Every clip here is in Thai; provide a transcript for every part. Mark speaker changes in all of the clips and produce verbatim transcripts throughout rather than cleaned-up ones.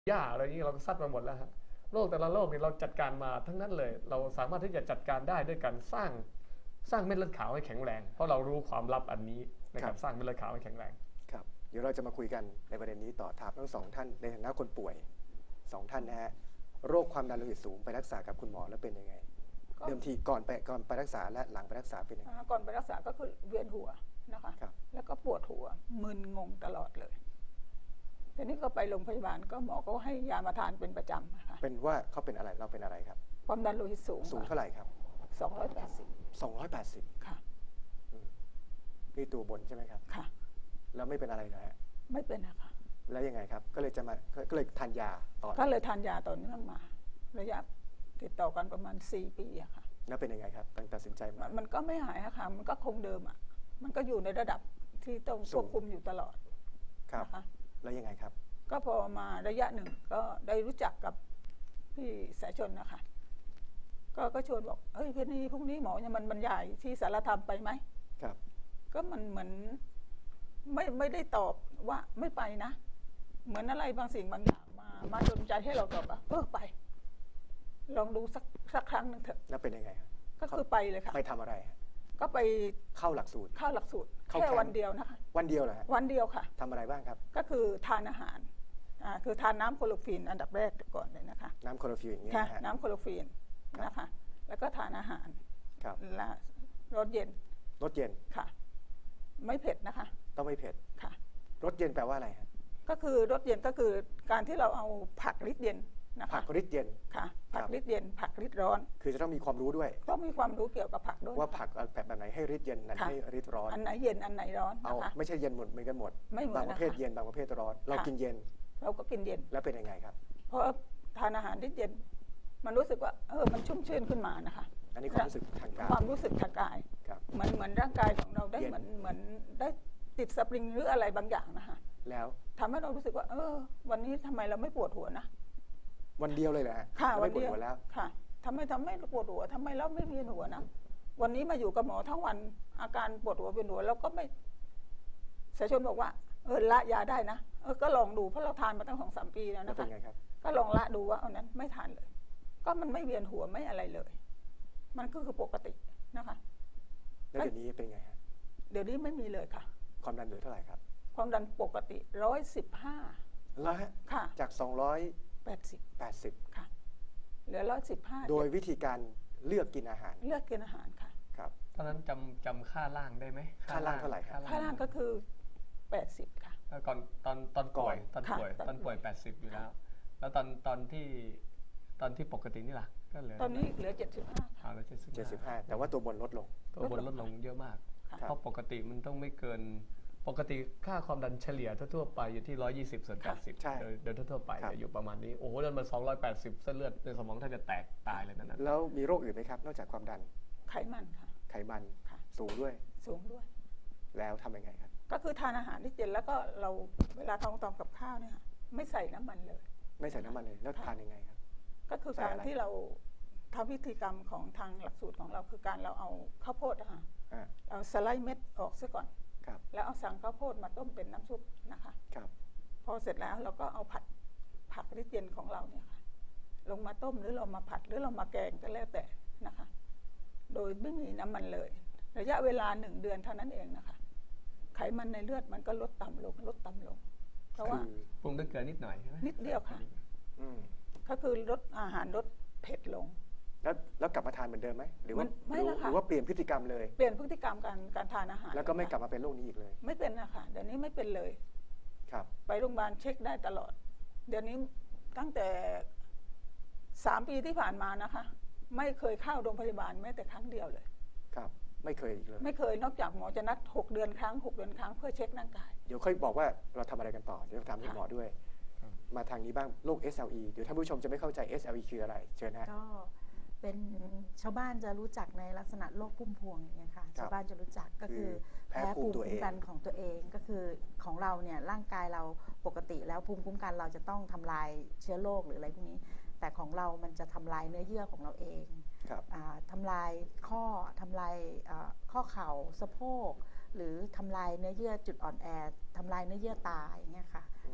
Speaker 1: หญ้าอะไรอย่างนี้เราก็ซัดมาหมดแล้วฮะโรคแต่ละโรคนี่เราจัดการมาทั้งนั้นเลยเราสามารถที่จะจัดการได้ด้วยการสร้างสร้างเม็ดเลือดขาวให้แข็งแรงเพราะเรารู้ความลับอันนี้ใน
Speaker 2: ครับ
Speaker 1: การสร้างเม็ดเลือดขาวให้แข็งแรง
Speaker 2: ครับเดี๋ยวเราจะมาคุยกันในประเด็นนี้ต่อถามทั้งสองท่านในฐานะคนป่วยสองท่านนะฮะโรคความดันโลหิตสูงไปรักษากับคุณหมอแล้วเป็นยังไงเดิมทีก่อนไปก่อนไปรักษาและหลังไปรักษาเป็นยังไง
Speaker 3: ก่อนไปรักษาก็คือเวียนหัวนะคะ
Speaker 2: ครับ
Speaker 3: แล้วก็ปวดหัวมึนงงตลอดเลยทีนี้ก็ไปโรงพยาบาลก็หมอก็ให้ยามาทานเป็นประจำนะคะ
Speaker 2: เป็นว่าเขาเป็นอะไรเราเป็นอะไรครับ
Speaker 3: ความดันโลหิตสูง
Speaker 2: สูงเท่าไหร่ครับ
Speaker 3: สองร้อยแปดสิบ
Speaker 2: สองร้อยแปดสิบ
Speaker 3: ค่ะ
Speaker 2: นี่ตัวบนใช่ไหมครับ
Speaker 3: ค่ะ
Speaker 2: แล้วไม่เป็นอะไรนะฮะ
Speaker 3: ไม่เป็นนะคะ
Speaker 2: แล้วยังไงครับก็เลยจะมาก็เลยทานยาต่อ
Speaker 3: ก็เลยทานยาต่อเนื่องมาระยะติดต่อกันประมาณสี่ปีอะค่ะ
Speaker 2: แล้วเป็นยังไงครับตั้งตัดสินใจมา
Speaker 3: มันก็ไม่หายอะค่ะมันก็คงเดิมอะมันก็อยู่ในระดับที่ต้องควบคุมอยู่ตลอด
Speaker 2: นะคะแล้วยังไงครับ
Speaker 3: ก็พอมาระยะหนึ่งก็ได้รู้จักกับพี่สายชนนะคะก็ก็ชวนบอกเฮ้ยพี่นี่พรุ่งนี้หมอจะมันบรรยายที่สารธรรมไปไหม
Speaker 2: ครับ
Speaker 3: ก็มันเหมือนไม่ไม่ได้ตอบว่าไม่ไปนะเหมือนอะไรบางสิ่งบางอย่างมามาดลใจให้เราตอบว่าเออไปลองดูสักสักครั้งหนึ่งเถอะ
Speaker 2: แล้วเป็นยังไงครับ
Speaker 3: ก็คือไปเลยค่ะ
Speaker 2: ไปทำอะไร
Speaker 3: ก็ไป
Speaker 2: เข้าหลักสูตร
Speaker 3: เข้าหลักสูตรแค่วันเดียวนะคะ
Speaker 2: วันเดียวเหรอฮะ
Speaker 3: วันเดียวค่ะ
Speaker 2: ทำอะไรบ้างครับ
Speaker 3: ก็คือทานอาหารอ่าคือทานน้ำโคโลฟีนอันดับแรกก่อนเลยนะคะ
Speaker 2: น้ำโคโลฟีนอย่างนี้
Speaker 3: นะฮะน้ำโคโลฟีนนะคะแล้วก็ทานอาหาร
Speaker 2: ครับ
Speaker 3: และรสเย็น
Speaker 2: รสเย็น
Speaker 3: ค่ะไม่เผ็ดนะคะ
Speaker 2: ต้องไม่เผ็ด
Speaker 3: ค่ะ
Speaker 2: รสเย็นแปลว่าอะไรฮะ
Speaker 3: ก็คือรสเย็นก็คือการที่เราเอาผักฤทธิ์เย็นนะคะ
Speaker 2: ผักฤทธิ์เย็น
Speaker 3: ค่ะผักฤทธิ์เย็นผักฤทธิ์ร้อน
Speaker 2: คือจะต้องมีความรู้ด้วย
Speaker 3: ต้องมีความรู้เกี่ยวกับผักด้วย
Speaker 2: ว่าผักแบบไหนให้ฤทธิ์เย็นนั้นให้ฤทธิ์ร้อน
Speaker 3: อันไหนเย็นอันไหนร้อน
Speaker 2: เอาไม่ใช่เย็นหมดเหมือนกันหมด
Speaker 3: ไม่เหมือน
Speaker 2: บางประเภทเย็นบางประเภทร้อนเรากินเย็น
Speaker 3: เราก็กินเย็น
Speaker 2: แล้วเป็นยังไงครับ
Speaker 3: เพราะทานอาหารฤทธิ์เย็นมันรู้สึกว่าเออมันชุ่มชื่นขึ้นมานะคะ
Speaker 2: อันนี้ความรู้สึกทางกาย
Speaker 3: ความรู้สึกทางกายเหมือนเหมือนร่างกายของเราได้เหมือนเหมือนได้ติดสปริงหรืออะไรบางอย่างนะคะ
Speaker 2: แล้ว
Speaker 3: ทำให้เรารู้สึกว่าเออวันนี้ทำไมเราไม่ปวดหัวนะ
Speaker 2: วันเดียวเลยแหละ
Speaker 3: ค่ะวันเดียวแล้วค่ะทำไมทำให้ปวดหัวทำไมเราไม่เวียนหัวนะวันนี้มาอยู่กับหมอทั้งวันอาการปวดหัวเวียนหัวเราก็ไม่สายชนบอกว่าเออละยาได้นะเออก็ลองดูเพราะเราทานมาตั้งสองสามปีแล้วนะคะก็ลองละดูว่าเอานั้นไม่ทานเลยก็มันไม่เวียนหัวไม่อะไรเลยมันก็คือปกตินะคะ
Speaker 2: แล้วเดี๋ยวนี้เป็นไงฮะ
Speaker 3: เดี๋ยวนี้ไม่มีเลยค่ะ
Speaker 2: ความดันเหลือเท่าไหร่ครับ
Speaker 3: ความดันปกติร้อยสิบห้า
Speaker 2: แล้วฮะ
Speaker 3: ค่ะ
Speaker 2: จากสองร้อย
Speaker 3: แปดสิบ
Speaker 2: แปดสิบ
Speaker 3: ค่ะเหลือร้อยสิบห้า
Speaker 2: โดยวิธีการเลือกกินอาหาร
Speaker 3: เลือกกินอาหารค่ะ
Speaker 2: ครับ
Speaker 1: ตอนนั้นจำจำค่าล่างได้ไหม
Speaker 2: ค่าล่างเท่าไหร่ครับ
Speaker 3: ค่าล่างก็คือแปดสิบค่ะ
Speaker 1: ก่อนตอนตอนป่วยตอนป่วยตอนป่วยแปดสิบอยู่แล้วแล้วตอนตอนที่ตอนที่ปกตินี่ล่ะก็เหลือ
Speaker 3: ตอนนี้เหลือเจ็ดสิบห้า
Speaker 1: ค่ะเหลือเจ็ดสิบ
Speaker 2: เจ็ดสิบห้าแต่ว่าตัวบนลดลง
Speaker 1: ตัวบนลดลงเยอะมากเพราะปกติมันต้องไม่เกินปกติค่าความดันเฉลี่ยทั่วๆไปอยู่ที่หนึ่งร้อยยี่สิบส่วนแปดสิบโดยทั่วๆไปอยู่ประมาณนี้โอ้โหเดินมาสองร้อยแปดสิบเส้นเลือดในสมองแทบจะแตกตายเลยนั่น
Speaker 2: แล้วมีโรคอื่นไหมครับนอกจากความดัน
Speaker 3: ไขมันค่ะ
Speaker 2: ไขมันสูงด้วย
Speaker 3: สูงด้วย
Speaker 2: แล้วทำยังไงครับ
Speaker 3: ก็คือทานอาหารที่เย็นแล้วก็เราเวลาทำตอนกับข้าวเนี่ยไม่ใส่น้ำมันเลย
Speaker 2: ไม่ใส่น้ำมันเลยแล้วทานยังไงครับ
Speaker 3: ก็คือการที่เราทำพิธีกรรมของทางหลักสูตรของเราคือการเราเอาข้าวโพดนะคะเอาสไลด์เม็ดออกซะก่อนแล้วเอาสังข้าวโพดมาต้มเป็นน้ำซุปนะคะพอเสร็จแล้วเราก็เอาผัดผักฤทธิ์เย็นของเราเนี่ยค่ะลงมาต้มหรือเรามาผัดหรือเรามาแกงก็แล้วแต่นะคะโดยไม่มีน้ำมันเลยระยะเวลาหนึ่งเดือนเท่านั้นเองนะคะไขมันในเลือดมันก็ลดต่ำลงลดต่ำลงเพราะว่า
Speaker 1: ปรุงด้วยเกลือนิดหน่อยใช่ไหม
Speaker 3: นิดเดียวค่ะก็คือลดอาหารลดเผ็ดลง
Speaker 2: แล้วแล้วกลับมาทานเหมือนเดิมไหมหรือว่าหรือว่าเปลี่ยนพฤติกรรมเลย
Speaker 3: เปลี่ยนพฤติกรรมการการทานอาหาร
Speaker 2: แล้วก็ไม่กลับมาเป็นโรคนี้อีกเลย
Speaker 3: ไม่เป็นนะคะเดี๋ยวนี้ไม่เป็นเลย
Speaker 2: ครับ
Speaker 3: ไปโรงพยาบาลเช็คได้ตลอดเดี๋ยวนี้ตั้งแต่สามปีที่ผ่านมานะคะไม่เคยเข้าโรงพยาบาลแม้แต่ครั้งเดียวเลย
Speaker 2: ครับไม่เคยอีกเลย
Speaker 3: ไม่เคยนอกจากหมอจะนัดหกเดือนครั้งหกเดือนครั้งเพื่อเช็คร่างกาย
Speaker 2: เดี๋ยวค่อยบอกว่าเราทำอะไรกันต่อเดี๋ยวถามคุณหมอด้วยมาทางนี้บ้างโรค เอส แอล อี เดี๋ยวท่านผู้ชมจะไม่เข้าใจ เอส แอล อี คืออะไรเชิญนะ
Speaker 4: ก็เป็นชาวบ้านจะรู้จักในลักษณะโรคพุ่มพวงอย่างเงี้ยค่ะชาวบ้านจะรู้จักก็คือแพ้ภูมิคุ้มกันของตัวเองก็คือของเราเนี่ยร่างกายเราปกติแล้วภูมิคุ้มกันเราจะต้องทำลายเชื้อโรคหรืออะไรพวกนี้แต่ของเรามันจะทำลายเนื้อเยื่อของเราเองทำลายข้อทำลายข้อเข่าสะโพกหรือทำลายเนื้อเยื่อจุดอ่อนแอทำลายเนื้อเยื่อตาอย่างเงี้ยค่ะ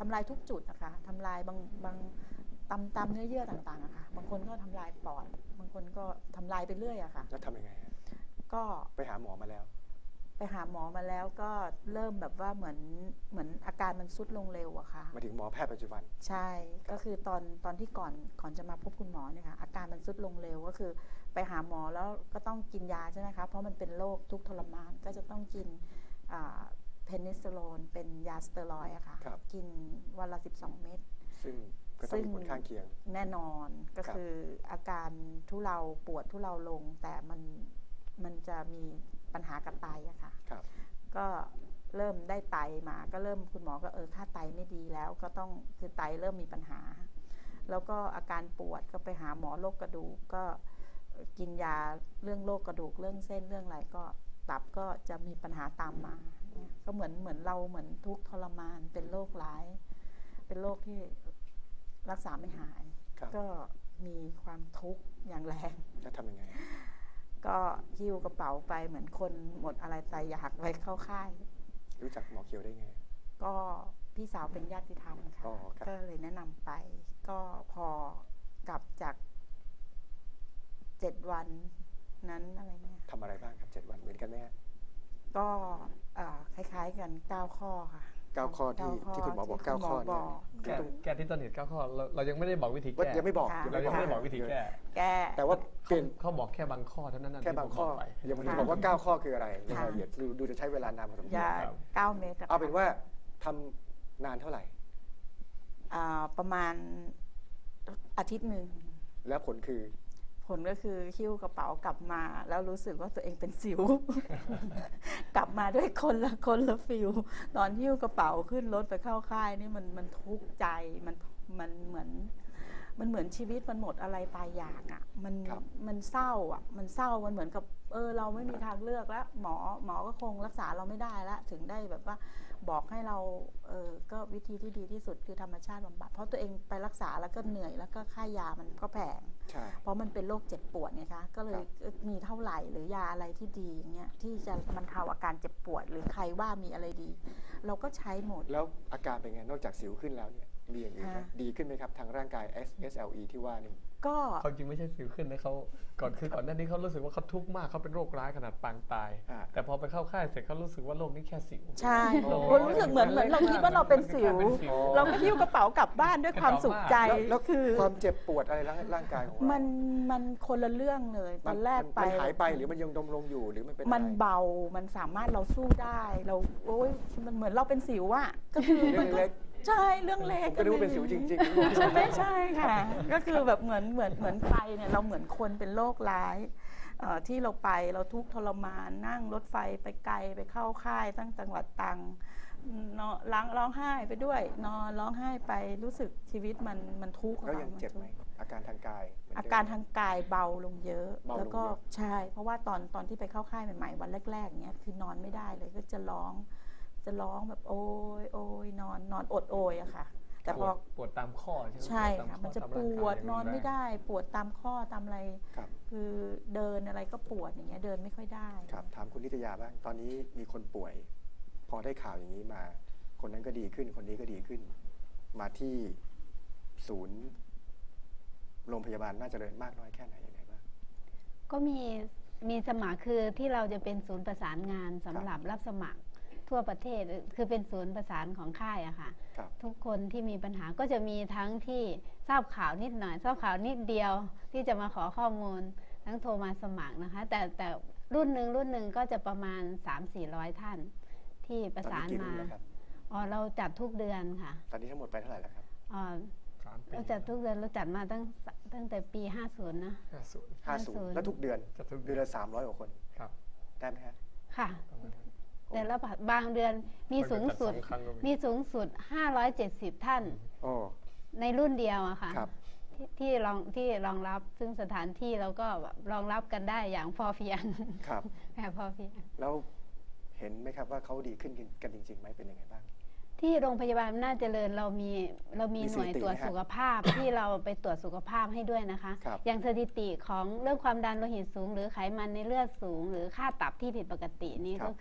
Speaker 4: ทำลายทุกจุดนะคะทำลายบางบางตามตามเนื้อเยื่อต่างๆอะค่ะบางคนก็ทำลายปอดบางคนก็ทำลายไปเรื่อยอะค่ะ
Speaker 2: แล้วทำยังไงฮะ
Speaker 4: ก็
Speaker 2: ไปหาหมอมาแล้ว
Speaker 4: ไปหาหมอมาแล้วก็เริ่มแบบว่าเหมือนเหมือนอาการมันทรุดลงเร็วอะค่ะ
Speaker 2: มาถึงหมอแพทย์ปัจจุบัน
Speaker 4: ใช่ก็คือตอนตอนที่ก่อนก่อนจะมาพบคุณหมอเนี่ยค่ะอาการมันทรุดลงเร็วก็คือไปหาหมอแล้วก็ต้องกินยาใช่ไหมคะเพราะมันเป็นโรคทุกข์ทรมานก็จะต้องกินเพนิซิลลินเป็นยาสเตียรอยด์อะค่ะกินวันละสิบสองเม็ด
Speaker 2: ซึ่งก็ต้องมีผลข้างเคียง
Speaker 4: แน่นอนก็คืออาการทุเลาปวดทุเลาลงแต่มันมันจะมีปัญหากับไตอะค่ะก็เริ่มได้ไตมาก็เริ่มคุณหมอก็เออค่าไตไม่ดีแล้วก็ต้องคือไตเริ่มมีปัญหาแล้วก็อาการปวดก็ไปหาหมอโรคกระดูกก็กินยาเรื่องโรคกระดูกเรื่องเส้นเรื่องอะไรก็ตับก็จะมีปัญหาตามมาก็เหมือนเหมือนเราเหมือนทุกข์ทรมานเป็นโรคร้ายเป็นโรคที่รักษาไม่หายก็มีความทุกข์อย่างแรง
Speaker 2: จะทำยังไง
Speaker 4: ก็หิ้วกระเป๋าไปเหมือนคนหมดอะไรตายอยากไปเข้าค่าย
Speaker 2: รู้จักหมอเขียวได้ไง
Speaker 4: ก็พี่สาวเป็นญาติธรรมค่ะก็เลยแนะนำไปก็พอกลับจากเจ็ดวันนั้นอะไรเงี้ย
Speaker 2: ทำอะไรบ้างครับเจ็ดวันเหมือนกันไหม
Speaker 4: ก็คล้ายๆกันเก้าข้อค่ะ
Speaker 2: เก้าข้อที่ที่คุณหมอบอกเก้าข้อเนี่ย
Speaker 1: แก้ที่ต้นเหตุเก้าข้อเรายังไม่ได้บอกวิธีแก้
Speaker 2: ยังไม่บอก
Speaker 1: เรายังไม่ได้บอกวิธีแก้
Speaker 4: แก้
Speaker 2: แต่ว่า
Speaker 1: เขาบอกแค่บางข้อเท่านั้น
Speaker 2: แค่บางข้อยังไม่ได้บอกว่าเก้าข้อคืออะไรรายละเอียดดูจะใช้เวลานานพอสมควร
Speaker 4: เก้าเมตร
Speaker 2: เอาเป็นว่าทำนานเท่าไหร่
Speaker 4: ประมาณอาทิตย์หนึ่ง
Speaker 2: แล้วผลคือ
Speaker 4: ผลก็คือหิ้วกระเป๋ากลับมาแล้วรู้สึกว่าตัวเองเป็นสิว กลับมาด้วยคนละคนละฟิลตอนหิ้วกระเป๋าขึ้นรถไปเข้าค่ายนี่มันมันทุกข์ใจมันมันเหมือนมันเหมือนชีวิตมันหมดอะไรตายอยากอ่ะมันมันเศร้าอ่ะมันเศร้ามันเหมือนกับเออเราไม่มีทางเลือกแล้วหมอหมอก็คงรักษาเราไม่ได้แล้วถึงได้แบบว่าบอกให้เราเออก็วิธีที่ดีที่สุดคือธรรมชาติบำบัดเพราะตัวเองไปรักษาแล้วก็เหนื่อยแล้วก็ค่ายามันก็แพงเพราะมันเป็นโรคเจ็บปวดไงคะก็เลยมีเท่าไหร่หรือยาอะไรที่ดีอย่างเงี้ยที่จะบรรเทาอาการเจ็บปวดหรือใครว่ามีอะไรดีเราก็ใช้หมด
Speaker 2: แล้วอาการเป็นไงนอกจากสิวขึ้นแล้วเนี่ยมีอย่างอื่นไหมดีขึ้นไหมครับทางร่างกาย เอส แอล อี ที่ว่านี่
Speaker 4: ก็
Speaker 1: เขาจริงไม่ใช่สิวขึ้นนะเขาก่อนคือก่อนหน้านี้เขารู้สึกว่าเขาทุกข์มากเขาเป็นโรคร้ายขนาดปางตายแต่พอไปเข้าค่ายเสร็จเขารู้สึกว่าโรคนี้แค่สิว
Speaker 4: ใช่รู้สึกเหมือนเหมือนเราคิดว่าเราเป็นสิวเราก็หิ้วกระเป๋ากลับบ้านด้วยความสุขใจ
Speaker 2: แล้วคือความเจ็บปวดอะไรร่างกายของเรา
Speaker 4: มันมันคนละเรื่องเลยตอนแรกไป
Speaker 2: มันหายไปหรือมันยังดมลงอยู่หรือมันเป็น
Speaker 4: มันเบามันสามารถเราสู้ได้เราโอ๊ยมันเหมือนเราเป็นสิวอะก็คือมันก็ใช่เรื่องเล็ก
Speaker 2: ก็รู้เป็นสิวจริงๆ
Speaker 4: ใช่ไม่ใช่ค่ะก็คือแบบเหมือนเหมือนเหมือนไปเนี่ยเราเหมือนคนเป็นโรคร้ายที่เราไปเราทุกข์ทรมานนั่งรถไฟไปไกลไปเข้าค่ายตั้งจังหวัดตรังนอนร้องร้องไห้ไปด้วยนอนร้องไห้ไปรู้สึกชีวิตมันมันทุกข์
Speaker 2: แล้วยังเจ็บไหมอาการทางกาย
Speaker 4: อาการทางกายเบาลงเยอะแล้วก็ใช่เพราะว่าตอนตอนที่ไปเข้าค่ายใหม่ๆวันแรกๆเนี้ยคือนอนไม่ได้เลยก็จะร้องจะร้องแบบโอยโอยนอนนอนอดโอยอะค่ะ
Speaker 1: แต่พอปวดตามข้อใช่ไหม
Speaker 4: ใช่ค่ะมันจะปวดนอนไม่ได้ปวดตามข้อตามอะไรคือเดินอะไรก็ปวดอย่างเงี้ยเดินไม่ค่อยได้
Speaker 2: ครับถามคุณนิตยาบ้างตอนนี้มีคนป่วยพอได้ข่าวอย่างนี้มาคนนั้นก็ดีขึ้นคนนี้ก็ดีขึ้นมาที่ศูนย์โรงพยาบาลน่าจะเจริญมากน้อยแค่ไหนยังไงบ้าง
Speaker 5: ก็มีมีสมัครคือที่เราจะเป็นศูนย์ประสานงานสำหรับรับสมัครทั่วประเทศคือเป็นศูนย์ประสานของค่ายอะค่ะทุกคนที่มีปัญหาก็จะมีทั้งที่ทราบข่าวนิดหน่อยทราบข่าวนิดเดียวที่จะมาขอข้อมูลทั้งโทรมาสมัครนะคะแต่แต่รุ่นหนึ่งรุ่นหนึ่งก็จะประมาณ สามถึงสี่ร้อย ท่านที่ประสานมาอ๋อเราจัดทุกเดือนค่ะ
Speaker 2: ตอนนี้ทั้งหมดไปเท่าไหร่แล้วครับ
Speaker 5: อ๋อเราจัดทุกเดือนเราจัดมาตั้งตั้งแต่ปีห้าสิบนะ
Speaker 2: ห้าสิบ ห้าสิบแล้วทุกเดือนเดือนละสามร้อยกว่าคนครับได้ไหมครับ
Speaker 5: ค่ะแต่ละบางเดือนมีสูงสุดมีสูงสุดห้าร้อยเจ็ดสิบท่านในรุ่นเดียวอะค่ะที่รองที่รองรับซึ่งสถานที่เราก็รองรับกันได้อย่างพอเพียง
Speaker 2: ครับ
Speaker 5: แบบพอเพียง
Speaker 2: แล้วเห็นไหมครับว่าเขาดีขึ้นกันจริงๆไหมเป็นยังไงบ้าง
Speaker 5: ที่โรงพยาบาลน่าเจริญเรามีเรามีหน่วยตรวจสุขภาพที่เราไปตรวจสุขภาพให้ด้วยนะคะอย่างสถิติของเรื่องความดันโลหิตสูงหรือไขมันในเลือดสูงหรือค่าตับที่ผิดปกตินี้ก็คือ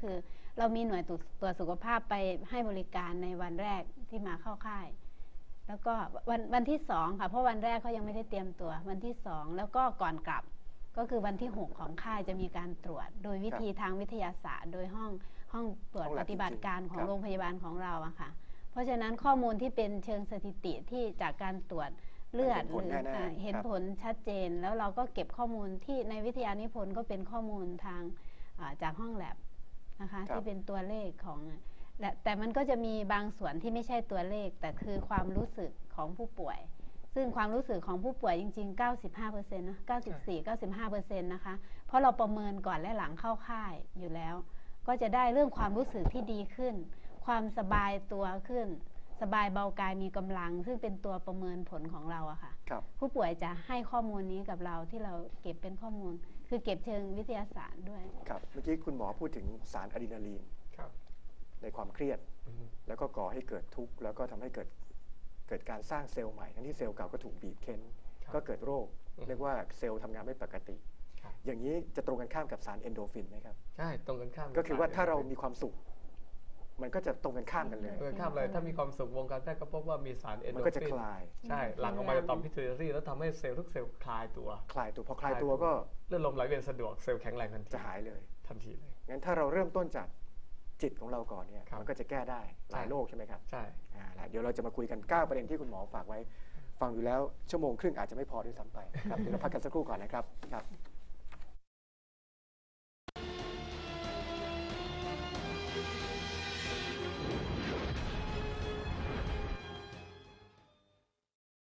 Speaker 5: เรามีหน่วยตรวจตรวจสุขภาพไปให้บริการในวันแรกที่มาเข้าค่ายแล้วก็วันวันที่สองค่ะเพราะวันแรกเขายังไม่ได้เตรียมตัววันที่สองแล้วก็ก่อนกลับก็คือวันที่หกของค่ายจะมีการตรวจโดยวิธีทางวิทยาศาสตร์ โดยห้องห้องตรวจปฏิบัติการของโรงพยาบาลของเราอะค่ะเพราะฉะนั้นข้อมูลที่เป็นเชิงสถิติที่จากการตรวจเลือดหรือเห็นผลชัดเจนแล้วเราก็เก็บข้อมูลที่ในวิทยานิพนธ์ก็เป็นข้อมูลทางจากห้องแลบนะคะที่เป็นตัวเลขของแต่มันก็จะมีบางส่วนที่ไม่ใช่ตัวเลขแต่คือความรู้สึกของผู้ป่วยซึ่งความรู้สึกของผู้ป่วยจริงๆ เก้าสิบห้าเปอร์เซ็นต์ นะ เก้าสิบสี่ เก้าสิบห้าเปอร์เซ็นต์ นะคะเพราะเราประเมินก่อนและหลังเข้าค่ายอยู่แล้วก็จะได้เรื่องความรู้สึกที่ดีขึ้นความสบายตัวขึ้นสบายเบากายมีกำลังซึ่งเป็นตัวประเมินผลของเราอะค่ะผู้ป่วยจะให้ข้อมูลนี้กับเราที่เราเก็บเป็นข้อมูลคือเก็บเชิงวิทยาศาสตร์ด้วย
Speaker 2: ครับเมื่อกี้คุณหมอพูดถึงสารอะดรีนาลีนในความเครียดแล้วก็ก่อให้เกิดทุกข์แล้วก็ทำให้เกิดเกิดการสร้างเซลล์ใหม่ทั้งที่เซลล์เก่าก็ถูกบีบเค้นก็เกิดโรคเรียกว่าเซลล์ทำงานไม่ปกติอย่างนี้จะตรงกันข้ามกับสารเอนโดรฟินไหมครับ
Speaker 1: ใช่ตรงกันข้าม
Speaker 2: ก็คือว่าถ้าเรามีความสุขมันก็จะตรงกันข้ามกันเลย
Speaker 1: ตรงกันข้ามเลยถ้ามีความสุขวงการแพทย์ก็พบว่ามีสารเอนโดรฟิน
Speaker 2: มันก็จะคลาย
Speaker 1: ใช่หลั่งออกมาจากต่อมพิทูริแล้วทำให้เซลล์ทุกเซลล์คลายตัว
Speaker 2: คลายตัวพอคลายตัวก็
Speaker 1: เลือดลมไหลเวียนสะดวกเซลล์แข็งแรงทันที
Speaker 2: จะหายเลย
Speaker 1: ทันทีเลย
Speaker 2: งั้นถ้าเราเริ่มต้นจากจิตของเราก่อนเนี่ยมันก็จะแก้ได้หลายโรคใช่ไหมครับ
Speaker 1: ใช่
Speaker 2: เดี๋ยวเราจะมาคุยกันเก้าประเด็นที่คุณหมอฝากไว้ฟังอยู่แล้วชั่วโมงครึ่งอาจจะไม่พอด้วยซ้ำไปครับเดี๋ยวเราพักกันสักครู่ก่อนนะครับครับ